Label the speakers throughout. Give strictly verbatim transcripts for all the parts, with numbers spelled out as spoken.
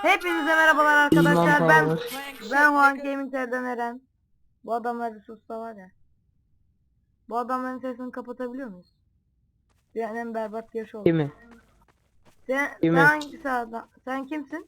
Speaker 1: Hepinize merhabalar
Speaker 2: İman
Speaker 1: arkadaşlar. Ben
Speaker 2: Power.
Speaker 1: ben Juan Gaming'lerden Eren. Bu adamlar bir susta var ya. Bu adamların sesini kapatabiliyor muyuz? Yani en berbat yaş oldu.
Speaker 2: Kimi?
Speaker 1: Sen,
Speaker 2: Kimi?
Speaker 1: sen hangisi adam? Sen kimsin?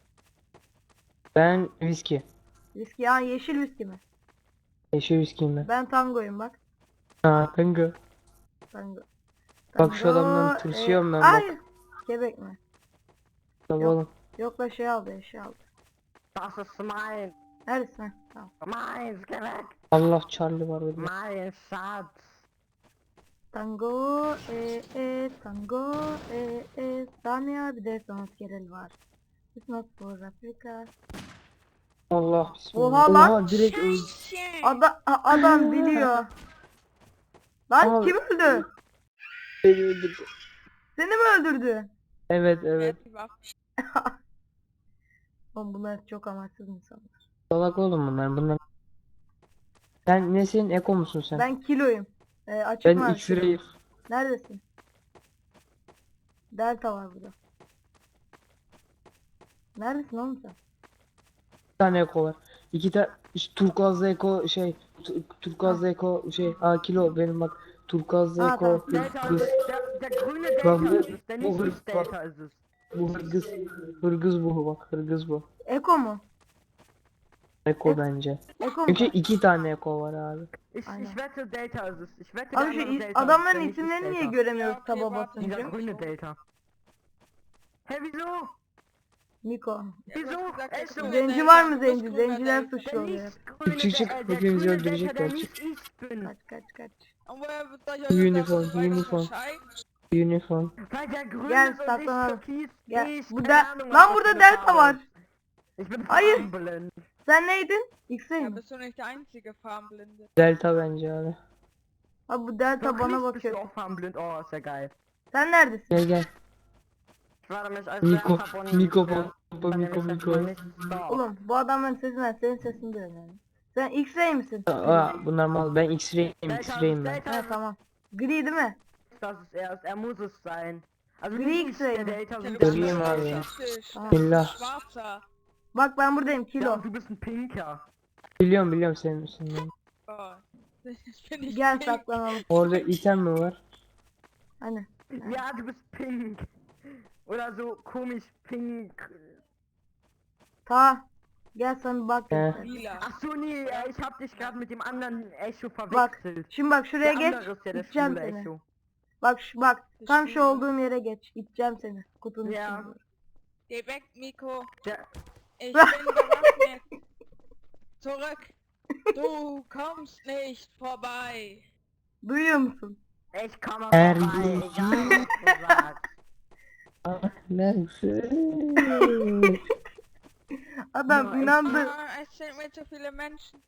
Speaker 2: Ben viski.
Speaker 1: Viski ya, yeşil viski mi?
Speaker 2: Yeşil viskiyim ben.
Speaker 1: Ben tangoyum bak.
Speaker 2: Ha, kanka.
Speaker 1: Tango.
Speaker 2: Bak şu adamdan
Speaker 1: Tango,
Speaker 2: tırsıyorum
Speaker 1: e,
Speaker 2: ben
Speaker 1: ay,
Speaker 2: bak.
Speaker 1: Kebek mi?
Speaker 2: Tabii
Speaker 1: Yok.
Speaker 2: oğlum.
Speaker 1: Yok da şey aldı, şey aldı.
Speaker 3: Das ist mein,
Speaker 1: Neredesin? Ha, tamam.
Speaker 3: mein Skelett,
Speaker 2: Allah Charlie var burada.
Speaker 3: mein Schatz.
Speaker 1: Tango, e, e, tango, e, e, Sanya bir de sanat gerel var. It's not for Africa.
Speaker 2: Allah bismillah.
Speaker 1: Oha lan.
Speaker 2: Direkt öldü.
Speaker 1: Ada a- adam biliyor. Lan
Speaker 2: Abi.
Speaker 1: kim öldü?
Speaker 2: Beni öldürdü.
Speaker 1: Seni mi öldürdü?
Speaker 2: Evet evet.
Speaker 1: Oğlum bunlar çok amaçsız insanlar.
Speaker 2: Salak oğlum bunlar. Bunlar. Sen nesin? Eko musun sen?
Speaker 1: Ben kiloyum. Ee, açık
Speaker 2: Ben
Speaker 1: mavi
Speaker 2: X-Ray.
Speaker 1: kilo. Neredesin? Delta var burada. Neredesin oğlum sen?
Speaker 2: Bir tane Eko var. İki tane turkuazlı Eko şey. tu- Turkuazlı Eko şey. Aa kilo benim bak. Turkuazlı
Speaker 1: Ha,
Speaker 2: Eko.
Speaker 1: tamam.
Speaker 3: Delta,
Speaker 2: Hırgız.
Speaker 3: der, der grüne
Speaker 2: Bak
Speaker 3: Delta
Speaker 2: bu,
Speaker 3: ist es, der
Speaker 2: bu
Speaker 3: nicht
Speaker 2: hırgız
Speaker 3: ist
Speaker 2: bak.
Speaker 3: Delta ist es.
Speaker 2: Bu hırgız. Hırgız bu bak. Hırgız bu.
Speaker 1: Eko mu?
Speaker 2: Eko bence.
Speaker 1: Eko mu?
Speaker 2: Çünkü iki tane Eko var abi.
Speaker 3: Ich,
Speaker 1: Aynen.
Speaker 3: ich wette Delta ist es, ich wette der
Speaker 1: Abi şu
Speaker 3: andere
Speaker 1: is-
Speaker 3: Delta ist es, der
Speaker 1: adamların
Speaker 3: nicht ist
Speaker 1: isimlerini niye
Speaker 3: Delta.
Speaker 1: göremiyoruz
Speaker 4: Ya,
Speaker 1: taba
Speaker 4: okay, warte.
Speaker 3: Dieser
Speaker 1: basınca?
Speaker 3: grüne Delta. Hä, wieso?
Speaker 1: Miko.
Speaker 3: Wieso? Es so,
Speaker 1: Zenci var mı zenci? Zenciler
Speaker 3: der
Speaker 1: suçlu oluyor.
Speaker 3: nicht grüne
Speaker 2: Çık, çık,
Speaker 3: Delta, der
Speaker 2: hepimizi
Speaker 3: grüne Delta,
Speaker 2: öldürecekler,
Speaker 3: der
Speaker 2: çık.
Speaker 3: nicht ich bin.
Speaker 1: Kaç kaç kaç.
Speaker 4: Und woher soll ich euch
Speaker 2: Uniform,
Speaker 4: das weiter
Speaker 2: Uniform.
Speaker 4: unterscheiden?
Speaker 2: Uniform.
Speaker 3: Weil der grüne
Speaker 1: Gel,
Speaker 3: und ich
Speaker 1: saklanalım.
Speaker 3: türkis,
Speaker 1: Gel.
Speaker 3: ich,
Speaker 1: Burada
Speaker 3: keine Ahnung,
Speaker 1: lan
Speaker 3: was
Speaker 1: burada
Speaker 3: für eine
Speaker 1: delta
Speaker 3: Farbe
Speaker 1: var.
Speaker 3: ist. Ich bin
Speaker 1: Hayır.
Speaker 3: farbenblind.
Speaker 1: Sen neydin? X-ray
Speaker 4: Ja,
Speaker 1: mi?
Speaker 4: bist du nicht der einzige Farbenblinde?
Speaker 2: Delta bence abi.
Speaker 1: Abi bu delta
Speaker 3: Doch
Speaker 1: bana
Speaker 3: nicht, bist du
Speaker 1: bakıyor.
Speaker 3: auch farbenblind? Oh, ist ja geil.
Speaker 1: Sen neredesin?
Speaker 2: Gel gel.
Speaker 3: Ich warte mich als
Speaker 2: Miko.
Speaker 3: Werfer von-
Speaker 2: Miko
Speaker 3: Ja,
Speaker 2: pompa
Speaker 3: dann
Speaker 2: Miko
Speaker 3: nehme ich
Speaker 2: Miko.
Speaker 3: das mal nicht da.
Speaker 1: Oğlum bu adamların sesinden senin sesini duyuyorum yani. Sen X-ray misin?
Speaker 2: Aa bunlar mal. Ben X-ray'im.
Speaker 3: Delta,
Speaker 2: X-ray'im ben.
Speaker 3: Delta,
Speaker 1: Ha tamam. Gri değil mi?
Speaker 3: das ist er, er muss es sein. Also
Speaker 1: Gri
Speaker 3: nicht ich,
Speaker 1: X-Ray
Speaker 3: der
Speaker 1: mi?
Speaker 3: Delta,
Speaker 4: Ja,
Speaker 3: sondern
Speaker 4: du
Speaker 3: der
Speaker 4: bist
Speaker 2: Göreyim
Speaker 3: andere
Speaker 2: abi.
Speaker 3: Delta.
Speaker 4: rassistisch.
Speaker 1: Tamam.
Speaker 2: Billah.
Speaker 4: Schwarzer.
Speaker 1: Bak ben buradayım
Speaker 3: Ja,
Speaker 1: kilo.
Speaker 3: und du bist ein Pinker.
Speaker 2: Biliyorum biliyorum senin misin.
Speaker 4: Oh. Ich bin nicht
Speaker 1: Gel
Speaker 4: pink.
Speaker 1: saklanalım.
Speaker 2: Orada item mi var?
Speaker 1: Hani.
Speaker 3: Ja, du bist pink. Oder so komisch pink.
Speaker 1: Ta. Gel sana bir bak.
Speaker 2: He.
Speaker 1: göster.
Speaker 4: Lila.
Speaker 3: Ach so, nee, äh, ich hab dich gerade mit dem anderen Echo
Speaker 1: Bak.
Speaker 3: verwechselt.
Speaker 1: Şimdi bak şuraya
Speaker 3: Der
Speaker 1: geç.
Speaker 3: andere ist ja der
Speaker 1: İteceğim
Speaker 3: schwule
Speaker 1: seni.
Speaker 3: Echo.
Speaker 1: Bak şu bak. Tam şu
Speaker 4: Şuraya.
Speaker 1: olduğum yere geç. İteceğim seni. Kutunun
Speaker 3: Ya.
Speaker 1: içinde.
Speaker 4: Geh weg, Miko.
Speaker 3: Der,
Speaker 4: Ich bin bewaffnet. Zurück. Du kommst nicht vorbei.
Speaker 1: Duyuyor musun?
Speaker 3: ich komme
Speaker 2: Er
Speaker 3: vorbei,
Speaker 2: geht.
Speaker 3: egal was du sagst.
Speaker 2: Neyse.
Speaker 1: Adam
Speaker 3: Ya,
Speaker 1: inandı.
Speaker 4: Ah, es sind mir zu viele Menschen.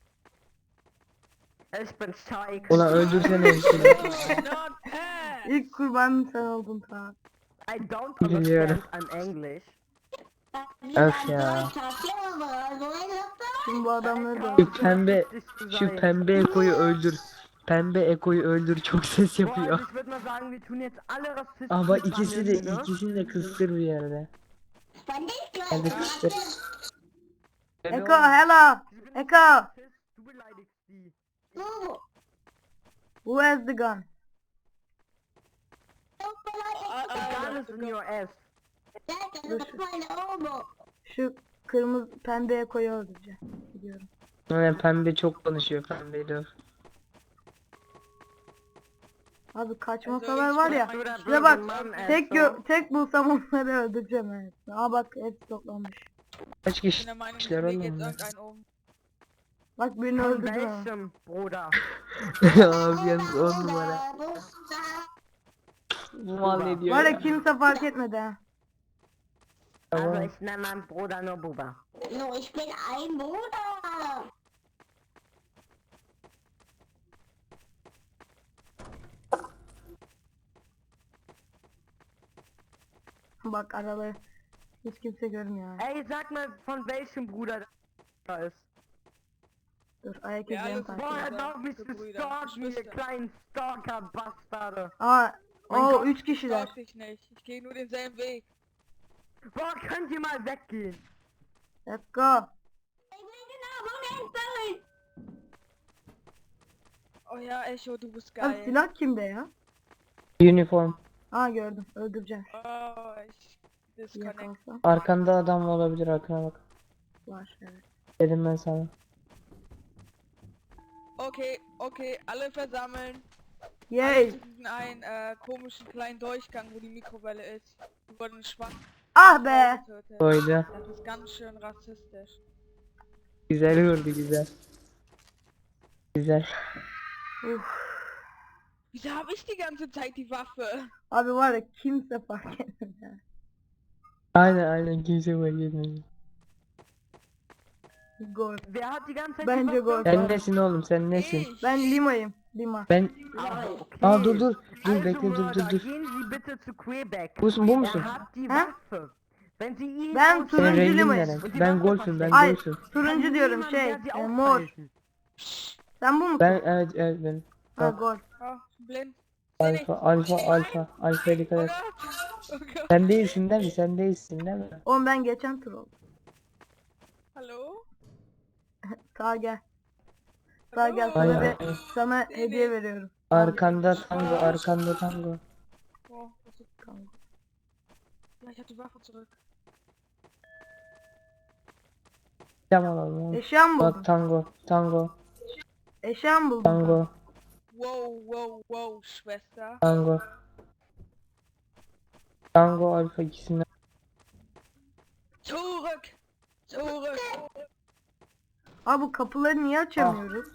Speaker 3: Ich bin Scheik.
Speaker 2: Ulan öldürsene hepsini.
Speaker 4: Do not pass.
Speaker 1: İlk kurbanın sen oldun ta.
Speaker 3: I don't
Speaker 2: Biliyorum.
Speaker 3: understand I'm English.
Speaker 2: Öf ya.
Speaker 1: Şimdi bu adamları da
Speaker 2: Şu pembe,
Speaker 3: Lustig zu
Speaker 2: şu
Speaker 3: sein.
Speaker 2: pembe Eko'yu öldür. Pembe Eko'yu öldür, çok ses
Speaker 3: Boah,
Speaker 2: yapıyor.
Speaker 3: also ich würde mal sagen, wir tun jetzt alle Rassisten
Speaker 2: Ama ikisi de
Speaker 3: behandeln, ne?
Speaker 2: ikisini de kıstır bir yerde. Hadi kıstır.
Speaker 1: Eko hello. Eko.
Speaker 3: Du beleidigst die.
Speaker 1: Who has the gun?
Speaker 4: Ah,
Speaker 3: The
Speaker 4: ah,
Speaker 3: gun is in your ass.
Speaker 1: Şu kırmızı pembe Eko'yu öldüreceğim. Gidiyorum.
Speaker 2: Yani pembe çok konuşuyor pembeyle.
Speaker 1: Abi kaçmasalar var ya.
Speaker 3: Du der
Speaker 1: Şuraya
Speaker 3: böse
Speaker 1: bak.
Speaker 3: Mann, ey,
Speaker 1: Tek
Speaker 3: so.
Speaker 1: gö tek bulsam onları öldüreceğim evet. Aa bak hepsi toplanmış.
Speaker 2: Kaç
Speaker 4: Ich bin
Speaker 2: kişi
Speaker 4: der Meinung,
Speaker 2: kişiler
Speaker 4: mir
Speaker 2: oğlum
Speaker 4: geht's
Speaker 2: bunlar?
Speaker 4: irgendein um.
Speaker 1: Bak birini
Speaker 3: Von
Speaker 1: öldürdüm ama.
Speaker 3: welchem, Bruder?
Speaker 2: Abi yalnız on numara. Bu mal ne diyor
Speaker 1: Var ya
Speaker 2: ya?
Speaker 1: kimse fark etmedi ha.
Speaker 3: Also
Speaker 2: Tamam.
Speaker 3: ich nenne meinen Bruder nur Buba.
Speaker 5: No, ich bin ein Bruder.
Speaker 1: Bak araları hiç kimse görmüyor. ha.
Speaker 3: Ey, sag mal, von welchem Bruder das ist.
Speaker 1: Dur ayak
Speaker 4: Ja,
Speaker 1: izlerini
Speaker 4: alles
Speaker 1: takip
Speaker 3: Boah,
Speaker 1: et.
Speaker 3: er
Speaker 4: Brüder,
Speaker 3: darf mich
Speaker 4: Brüder,
Speaker 3: stalken, ihr
Speaker 4: Geschwister.
Speaker 3: kleinen Stalker-Bastarde.
Speaker 1: Aa
Speaker 3: Mein
Speaker 1: o
Speaker 3: Gott.
Speaker 1: üç
Speaker 4: Ich
Speaker 1: kişiler.
Speaker 4: stalk dich nicht. Ich gehe nur denselben Weg.
Speaker 3: Boah, könnt ihr mal weggehen?
Speaker 1: Let's go.
Speaker 5: Ich bin genau von den Böllen.
Speaker 4: Oh ja, Echo, du bist
Speaker 1: Abi
Speaker 4: geil.
Speaker 1: silah kimde ya?
Speaker 2: Uniform.
Speaker 1: Aa gördüm. Öldüreceğim.
Speaker 4: Oh, ich disconnect.
Speaker 1: Yakalsam.
Speaker 2: Arkanda adam olabilir, arkana bak.
Speaker 1: Var evet.
Speaker 2: Dedim ben sana.
Speaker 4: Okay, okay, alle versammeln.
Speaker 1: Yay.
Speaker 4: Alle zu diesem einen äh, komischen kleinen Durchgang, wo die Mikrowelle ist. Die wurden schwach
Speaker 1: Ah be.
Speaker 4: getötet.
Speaker 2: Koydu.
Speaker 4: Das ist ganz schön rassistisch.
Speaker 2: Güzel vurdu, güzel. Güzel.
Speaker 1: Uf.
Speaker 4: Wieso habe ich die ganze Zeit die Waffe?
Speaker 1: Abi var ya kimse fark etmedi.
Speaker 2: Aynen aynen, kimse fark etmedi.
Speaker 1: Gol.
Speaker 3: Wer hat die ganze Zeit
Speaker 1: Bence
Speaker 3: die
Speaker 1: gol.
Speaker 3: Waffe?
Speaker 2: Sen nesin oğlum, sen nesin?
Speaker 4: Ich.
Speaker 1: Ben Lima'yım. Lima.
Speaker 2: Ben...
Speaker 3: Ah, okay.
Speaker 2: Aa dur dur. Dur
Speaker 3: Also,
Speaker 2: bekle, dur dur
Speaker 3: Mörder,
Speaker 2: dur.
Speaker 3: gehen Sie bitte zu Quebec.
Speaker 2: Bu musun, bu musun?
Speaker 3: Er hat die
Speaker 1: Hä?
Speaker 3: Waffe. Wenn Sie ihn
Speaker 1: Ben
Speaker 3: aus-
Speaker 1: turuncu
Speaker 2: Senin rengin
Speaker 1: limayım.
Speaker 2: ne? Ben golfüm, ben
Speaker 1: Ay
Speaker 2: golfüm.
Speaker 1: turuncu diyorum
Speaker 3: Niemand
Speaker 1: şey.
Speaker 3: der Sie
Speaker 1: e, mor.
Speaker 3: aufhalten.
Speaker 1: Sen bu musun?
Speaker 2: Ben evet evet ben.
Speaker 1: Ha
Speaker 2: Bak,
Speaker 1: gol.
Speaker 4: Oh, blind. Seh nichts.
Speaker 2: alfa alfa alfa. Alfa'ya dikkat
Speaker 4: Oh
Speaker 2: et.
Speaker 4: Gott. Oh Gott.
Speaker 2: Sen değilsin değil mi? Sen değilsin değil mi?
Speaker 1: Oğlum ben geçen tur oldum.
Speaker 4: Hallo?
Speaker 1: Sağ gel. Sağ gel
Speaker 4: Hallo?
Speaker 1: sana
Speaker 2: Aynen.
Speaker 1: bir sana hediye veriyorum.
Speaker 2: Arkanda tango, arkanda tango.
Speaker 4: Oh, was ist krank? Ja, ich hab die Waffe zurück.
Speaker 2: Cam alalım oğlum.
Speaker 1: Eşya mı buldun?
Speaker 2: Bak tango, tango,
Speaker 1: Eşya mı buldun?
Speaker 2: tango,
Speaker 4: Wow, wow, wow, Schwester.
Speaker 2: tango. Tango alfa ikisinden.
Speaker 4: Zurück! Zurück!
Speaker 1: Abi bu kapıları niye açamıyoruz?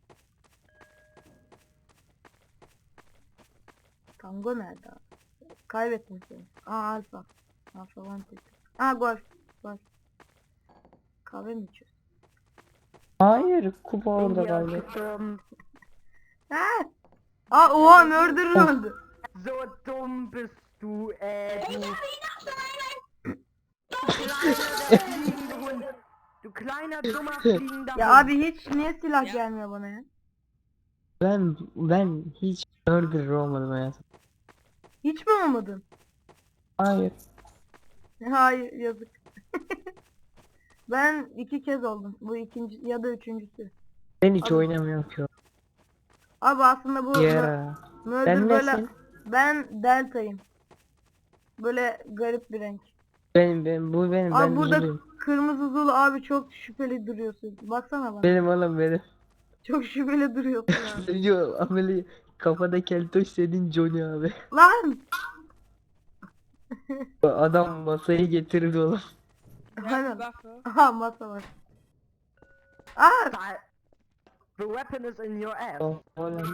Speaker 1: Tango nerede abi? Kaybettim seni. Aa alfa. Alfa one tek. Aa gol. Gol. Kahve mi içiyorsun?
Speaker 2: Hayır, kupa
Speaker 3: Bin
Speaker 2: orada
Speaker 3: wir
Speaker 2: kaldı.
Speaker 3: gestorben.
Speaker 1: Ha? Aa oha murderer öldü.
Speaker 3: So dumm bist du, äh, du. Du kleiner, dummer, fliegender
Speaker 1: Ya
Speaker 3: Hund.
Speaker 1: abi hiç niye silah
Speaker 4: Ya.
Speaker 1: gelmiyor bana ya?
Speaker 2: Ben ben hiç murderer olmadım hayatım.
Speaker 1: Hiç mi olmadın?
Speaker 2: Hayır.
Speaker 1: Hayır yazık. Ben iki kez oldum. Bu ikinci ya da üçüncüsü.
Speaker 2: Ben hiç
Speaker 1: Abi-
Speaker 2: oynamıyorum ki.
Speaker 1: Abi aslında bu
Speaker 2: Ya.
Speaker 1: murder
Speaker 2: Ben
Speaker 1: böyle
Speaker 2: nesin?
Speaker 1: ben deltayım. Böyle garip bir renk.
Speaker 2: Benim ben bu benim
Speaker 1: Abi
Speaker 2: ben
Speaker 1: burada
Speaker 2: Zuluyum.
Speaker 1: kırmızı zulu abi çok şüpheli duruyorsun. Baksana bana.
Speaker 2: Benim oğlum benim.
Speaker 1: Çok şüpheli duruyorsun abi.
Speaker 2: Senin ameli kafada keltoş senin Johnny abi.
Speaker 1: Lan!
Speaker 2: Adam masayı getirdi oğlum.
Speaker 4: Ja, die
Speaker 1: Aynen.
Speaker 4: Waffe.
Speaker 1: Aha masa var. Aa!
Speaker 3: Da- The weapon is in your ass.
Speaker 2: O- Oğlum.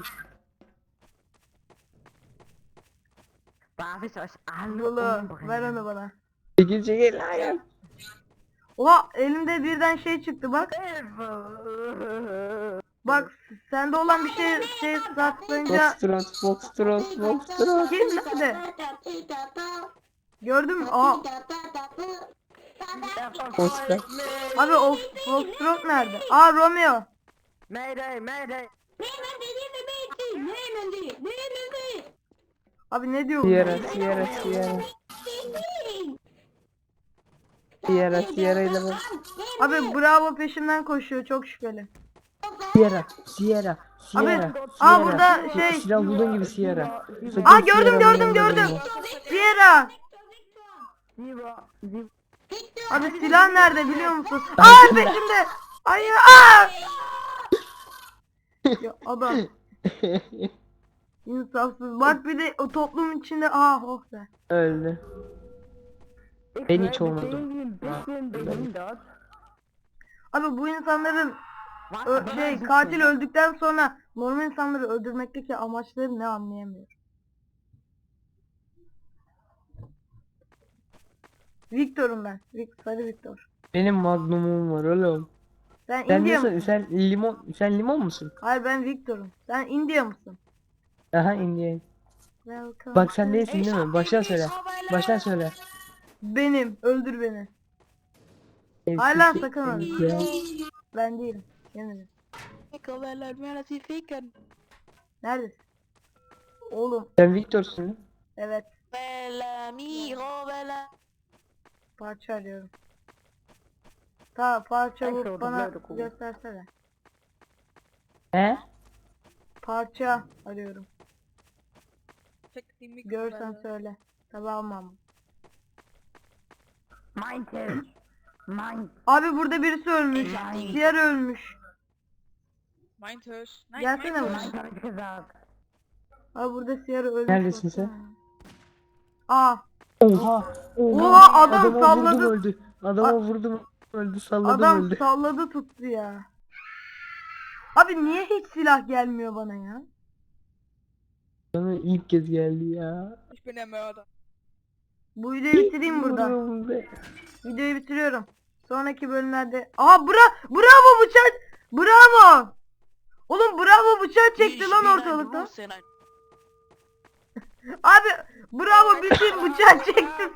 Speaker 3: Darf ich euch alle
Speaker 1: Zulu ver
Speaker 3: umbringen?
Speaker 1: onu bana.
Speaker 2: Çekil çekil hayır.
Speaker 1: Oha elimde birden şey çıktı bak.
Speaker 3: Hilfe!
Speaker 1: Bak sende olan bir şey şey saklayınca
Speaker 2: Foxtrot, Foxtrot, Foxtrot.
Speaker 1: kim nerede? Gördün mü? Aa
Speaker 3: Er
Speaker 2: Oscar.
Speaker 3: verfolgt mich!
Speaker 1: abi o Foxtrot nerede? Aa Romeo.
Speaker 3: Mayday, mayday!
Speaker 5: Nehmen Sie diese Mädchen! Nehmen Sie! Nehmen Sie!
Speaker 1: Abi ne diyor bu?
Speaker 2: Sierra, Sierra, Sierra. Sierra, Sierra ile bak.
Speaker 1: Abi Bravo peşimden koşuyor çok şüpheli.
Speaker 2: Sierra, Sierra,
Speaker 1: Abi
Speaker 2: Sierra,
Speaker 1: aa
Speaker 2: Sierra.
Speaker 1: burada şey.
Speaker 2: Silah bulduğun gibi Sierra. Sakın
Speaker 1: Aa gördüm
Speaker 2: Sierra'nın
Speaker 1: gördüm
Speaker 2: yanına
Speaker 1: gördüm.
Speaker 2: gelme.
Speaker 1: Sierra.
Speaker 3: Lieber, lieber.
Speaker 1: Abi silah nerede biliyor musun? Aa peşimde. Hayır aa. Ya adam insafsız. Bak bir de o toplumun içinde aa oh be.
Speaker 2: Öldü.
Speaker 3: Ich
Speaker 2: Ben
Speaker 3: werde
Speaker 2: hiç olmadım.
Speaker 3: irgendwie ein bisschen behindert.
Speaker 1: Abi bu insanların
Speaker 3: Was?
Speaker 1: ö- şey katil öldükten sonra normal insanları öldürmekteki amaçları ne anlayamıyorum. Victor'um ben. Vic- Sarı Victor.
Speaker 2: Benim magnumum var oğlum.
Speaker 1: Sen
Speaker 2: Sen
Speaker 1: India
Speaker 2: nasıl?
Speaker 1: mısın?
Speaker 2: Sen limon, sen limon musun?
Speaker 1: Hayır ben Victor'um. Sen India mısın?
Speaker 2: Aha Indian.
Speaker 1: Welcome
Speaker 2: Bak sen
Speaker 1: to-
Speaker 2: değilsin değil mi? Baştan söyle. Baştan söyle.
Speaker 1: Benim. Öldür beni. Hayır lan sakın öldür.
Speaker 2: Ya.
Speaker 1: Ben değilim. Yemin
Speaker 4: Mikrowelle und mehr, dass sie ficken.
Speaker 1: Neredesin? Oğlum.
Speaker 2: Sen Victor'sun.
Speaker 1: Evet.
Speaker 4: Welle, Mikrowelle.
Speaker 1: Parça arıyorum. Ta parça
Speaker 3: Thanks
Speaker 1: bulup
Speaker 3: for the
Speaker 1: bana
Speaker 3: blood, cool.
Speaker 1: göstersene.
Speaker 2: He?
Speaker 1: Parça arıyorum.
Speaker 4: Check die
Speaker 1: Görsen
Speaker 4: Mikrowelle.
Speaker 1: söyle. Tabi almam.
Speaker 3: Mein Tisch. Mein.
Speaker 1: Abi burada birisi ölmüş.
Speaker 3: Nein.
Speaker 1: Diğer ölmüş.
Speaker 4: Mein Tisch. Nein,
Speaker 1: Gelsene
Speaker 4: mein
Speaker 1: buraya.
Speaker 4: Tisch.
Speaker 3: Mein hab ich gesagt.
Speaker 1: Abi burada Sierra ölmüş.
Speaker 2: Neredesin
Speaker 1: baksana.
Speaker 2: sen?
Speaker 1: Aa.
Speaker 2: Oha.
Speaker 1: Oha, adam
Speaker 2: Adama
Speaker 1: salladı.
Speaker 2: vurdum öldü. Adama
Speaker 1: A-
Speaker 2: vurdum öldü. Salladım
Speaker 1: Adam
Speaker 2: öldü.
Speaker 1: salladı tuttu ya. Abi niye hiç silah gelmiyor bana ya?
Speaker 2: Bana ilk kez geldi ya.
Speaker 4: Ich bin der Mörder.
Speaker 1: Bu videoyu bitireyim burada.
Speaker 2: Vuruyorum be.
Speaker 1: Videoyu bitiriyorum. Sonraki bölümlerde... Aha bra bravo bıçak! Bravo! Oğlum bravo bıçağı çekti lan ortalıkta. Abi bravo bütün bıçağı çekti.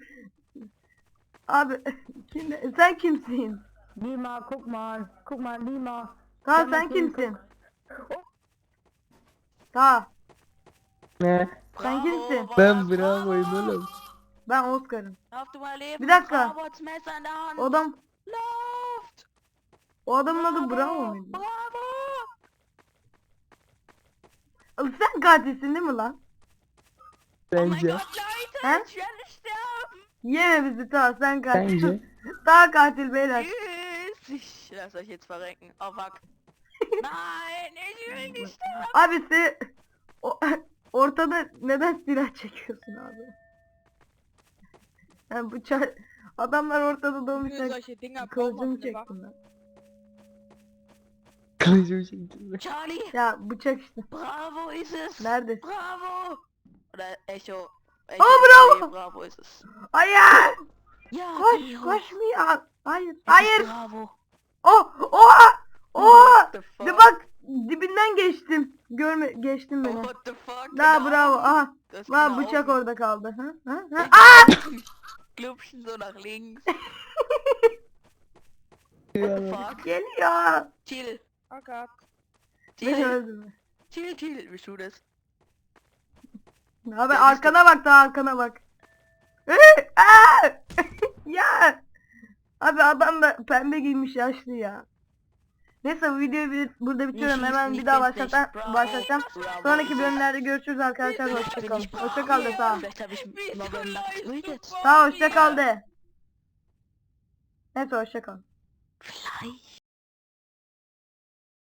Speaker 1: Abi kim, sen kimsin?
Speaker 3: Lima, guck mal. Guck mal, Lima.
Speaker 1: Ta sen kimsin? Ta
Speaker 2: Ne?
Speaker 1: sen kimsin?
Speaker 2: Ben bravoyum oğlum.
Speaker 1: Ben Oscar'ım.
Speaker 6: Lauf du mal leben.
Speaker 1: Bir dakika.
Speaker 6: Bravo, das Messer in der Hand.
Speaker 1: O adam
Speaker 6: Lauft.
Speaker 1: o adamın adı Bravo muydu?
Speaker 6: Bravo.
Speaker 1: Sen katilsin değil mi lan?
Speaker 6: Oh mein
Speaker 2: Bence.
Speaker 6: Gott, Leute,
Speaker 1: Hä?
Speaker 6: ich werde sterben.
Speaker 1: Yeme bizi ta sen katil.
Speaker 2: Bence.
Speaker 1: Ta katil beyler.
Speaker 6: Tschüss. Ich lasse euch jetzt verrecken. Oh fuck. Nein, ich will nicht sterben.
Speaker 1: Abi sen o, ortada neden silah çekiyorsun abi? Yani bıçak adamlar ortada
Speaker 4: Für
Speaker 1: dolmuşlar.
Speaker 4: solche Dinger braucht
Speaker 1: Kılıcımı
Speaker 4: man eine Waffe.
Speaker 1: çektim ben.
Speaker 2: Kılıcımı çektim.
Speaker 6: Charlie,
Speaker 1: Ya bıçak işte.
Speaker 6: bravo ist es.
Speaker 1: Neredesin?
Speaker 6: Bravo. Oder Echo. Echo
Speaker 1: bravo.
Speaker 6: nee, bravo ist es.
Speaker 1: Hayır!
Speaker 6: Ja,
Speaker 1: Koş
Speaker 6: geh hoch.
Speaker 1: koşmuyor. Hayır.
Speaker 6: Es ist
Speaker 1: Hayır.
Speaker 6: Bravo.
Speaker 1: Oh! Oha! Oha!
Speaker 6: What the fuck?
Speaker 1: De bak dibinden geçtim. Görme geçtim beni.
Speaker 6: What the fuck?
Speaker 1: Daha
Speaker 6: Genau.
Speaker 1: bravo. Aha.
Speaker 6: Das
Speaker 1: Lan
Speaker 6: genau.
Speaker 1: bıçak orada kaldı. Ha? Ha? Ha?
Speaker 6: Glubschen so nach links. What the fuck?
Speaker 1: Geliyor.
Speaker 6: Chill.
Speaker 4: Oh Gott.
Speaker 1: Beni
Speaker 6: Chill.
Speaker 1: öldürme.
Speaker 6: Chill, chill. Bist du das?
Speaker 1: Abi arkana bak da arkana bak. Aa! Ya. Abi adam da pembe giymiş yaşlı ya. Neyse bu videoyu bir- burada bitiriyorum. Hemen bir daha başlatacağım. başlatacağım. Sonraki bölümlerde görüşürüz arkadaşlar. Hoşçakalın. Hoşçakal de sağ ol.
Speaker 6: Vielleicht habe ich November getötet.
Speaker 1: Sağ ol, hoşçakal de. Neyse hoşçakal.
Speaker 6: Vielleicht.